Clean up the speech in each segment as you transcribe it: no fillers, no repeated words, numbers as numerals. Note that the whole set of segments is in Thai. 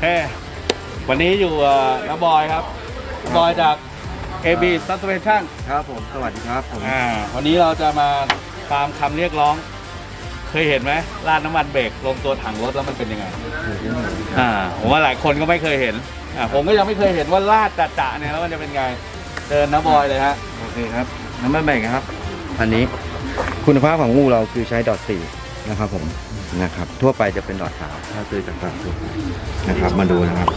วันนี้อยู่น้าบอยครับบอยจาก AB Suspension ครับผมสวัสดีครับผมวันนี้เราจะมาตามคำเรียกร้อง เคยเห็นไหมราดน้ำมันเบรกลงตัวถังรถแล้วมันเป็นยังไงผมว่าหลายคนก็ไม่เคยเห็นผมก็ยังไม่เคยเห็นว่าราดจะเนี่ยแล้วมันจะเป็นไงเดินน้าบอยเลยฮะโอเคครับน้ำมันเบรกครับอันนี้คุณภาพของอู่เราคือใช้ดอท4นะครับผมนะครับทั่วไปจะเป็นดอท3ถ้าซื้อจากตลาดนะครับมาดูนะครับ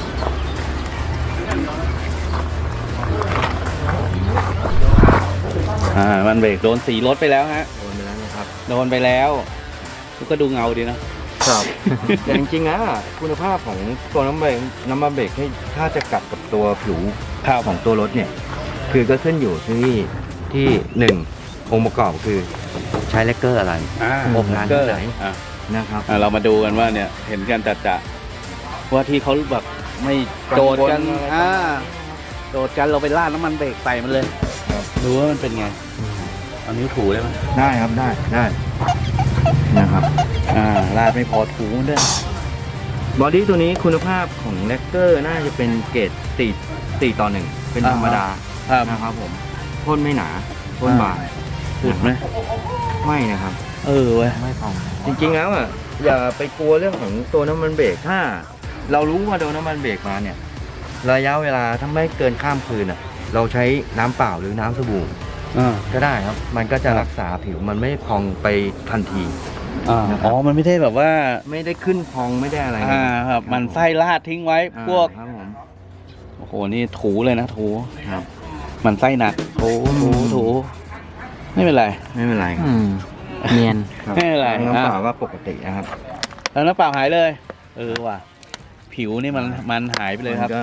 มันเบรกโดนสีรถไปแล้วฮะโดนไปแล้วนะครับโดนไปแล้วก็ดูเงาดีนะครับแต่จริงๆแล้วคุณภาพของตัวน้ำมันเบรกถ้าจะกัดกับตัวผิวของตัวรถเนี่ยคือก็ขึ้นอยู่ที่หนึ่งองค์ประกอบคือใช้แลกเกอร์อะไรอบนานที่ไหนนะครับเรามาดูกันว่าเนี่ยเห็นกันจะว่าที่เขาแบบไม่โดดกันโดดกันเราไปราดน้ำมันเบรกใส่มันเลยดูว่ามันเป็นไงเอานิ้วถูได้ไหมได้ครับได้นะครับราดไม่พอถูด้วยบอดี้ตัวนี้คุณภาพของแลกเกอร์น่าจะเป็นเกรด4:1เป็นธรรมดานะครับผมพ่นไม่หนาพ่นบางอุดไหมไม่นะครับเว้ยไม่พองจริงๆแล้วอย่าไปกลัวเรื่องของตัวน้ำมันเบรกถ้าเรารู้ว่าโดนน้ำมันเบรกมาเนี่ยระยะเวลาถ้าไม่เกินข้ามคืนเราใช้น้ำเปล่าหรือน้ำสบู่ก็ได้ครับมันก็จะรักษาผิวมันไม่พองไปทันทีมันไม่ได้แบบว่าไม่ได้ขึ้นพองไม่ได้อะไรครับมันไส้ราดทิ้งไว้พวกโอ้โหนี่ถูเลยนะถูครับมันไส้หนักถูไม่เป็นไรเนียนไม่เป็นไรน้ำเปล่าก็ปกตินะครับแล้วน้ำเปล่าหายเลยว่ะผิวนี่มันหายไปเลยครับ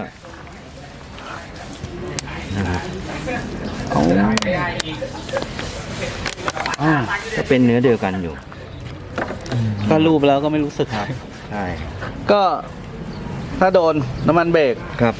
ก็เป็นเนื้อเดียวกันอยู่ก็รูปแล้วก็ไม่รู้สึกครับใช่ก็ถ้าโดนน้ำมันเบรกครับ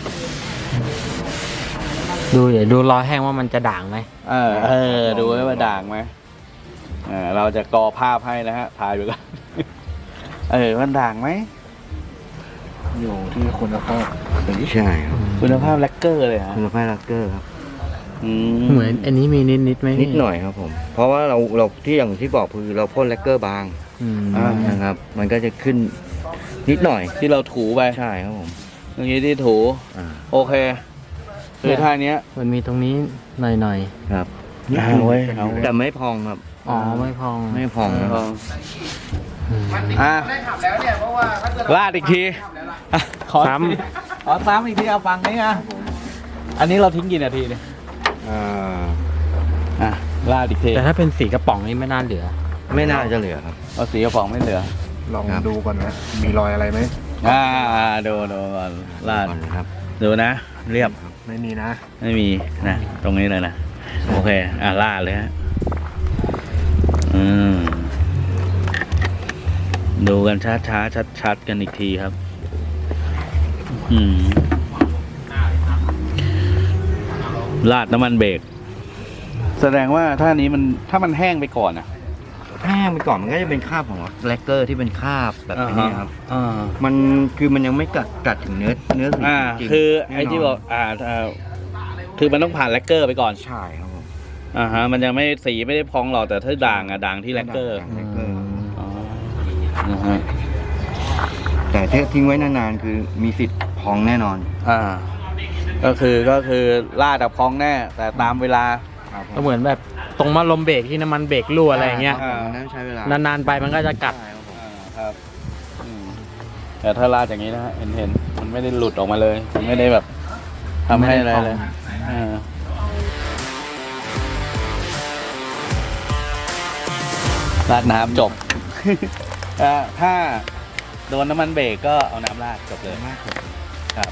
ดูรอยแห้งว่ามันจะด่างไหมดูว่าด่างไหมเราจะกอภาพให้นะฮะถ่ายไปก่อนมันด่างไหมอยู่ที่คุณภาพใช่ครับคุณภาพแลกเกอร์เลยฮะคุณภาพแลกเกอร์ครับเหมือนอันนี้มีนิดไหมนิดหน่อยครับผมเพราะว่าเราที่อย่างที่บอกคือเราพ่นแลกเกอร์บางนะครับมันก็จะขึ้นนิดหน่อยที่เราถูไปใช่ครับผมตรงนี้ที่ถูโอเคคือท่านี้มันมีตรงนี้หน่อยครับแต่ไม่พองครับไม่พองลาดอีกทีซ้ำอีกทีเอาฟังนี้นะอันนี้เราทิ้งกี่นาทีเนี่ยลาดอีกทีแต่ถ้าเป็นสีกระป๋องนี่ไม่น่าเหลือไม่น่าจะเหลือครับเอาสีกระป๋องไม่เหลือลองดูก่อนนะมีรอยอะไรไหมดูก่อนลาดครับดูนะเรียบไม่มีนะตรงนี้เลยนะโอเคลาดเลยฮะดูกันช้าชัดกันอีกทีครับลาดน้ำมันเบรกแสดงว่าถ้ามันแห้งไปก่อนแห้งไปก่อนมันก็จะเป็นคราบของแลกเกอร์ที่เป็นคราบแบบนี้ครับมันยังไม่กัดถึงเนื้อสีจริงคือไอ้ที่บอกคือมันต้องผ่านแลกเกอร์ไปก่อนใช่ครับผมมันยังไม่สีไม่ได้พองหรอกแต่ถ้าด่างที่แลกเกอร์แต่ถ้าทิ้งไว้นานๆคือมีสิทธิ์พองแน่นอนก็คือลาดกับพองแน่แต่ตามเวลาก็เหมือนแบบตรงมาลมเบรกที่น้ำมันเบรกรั่วอะไรเงี้ยใช้เวลานานๆไปมันก็จะกัดครับแต่ถ้าลาดอย่างนี้นะเห็นมันไม่ได้หลุดออกมาเลยไม่ได้แบบทำให้อะไรเลยราดน้ำจบถ้าโดนน้ำมันเบรกก็เอาน้ำราดจบเลยครับ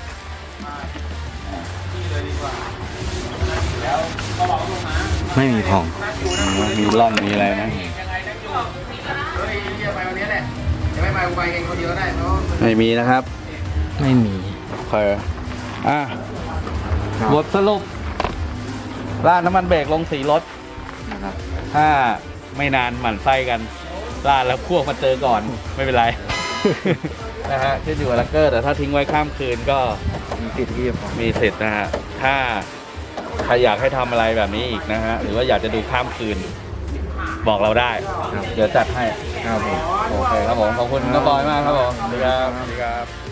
ไม่มีพองมีร่องมีอะไรไหมไม่มีนะครับไม่มีโอเคบทสรุปราดน้ำมันเบรกลงสีรถนะครับถ้าไม่นานหมั่นไส้กันราดแล้วพวกมาเจอก่อนไม่เป็นไรนะฮะขึ้นอยู่กับลักเกอร์แต่ถ้าทิ้งไว้ข้ามคืนก็มีสิทธิ์ที่จะฟ้องมีสิทธิ์นะฮะถ้าใครอยากให้ทำอะไรแบบนี้อีกนะฮะหรือว่าอยากจะดูข้ามคืน บอกเราได้ เดี๋ยวจัดให้ครับผมโอเคครับผมขอบคุณน้าบอยมากครับผมสวัสดีครับสวัสดีครับ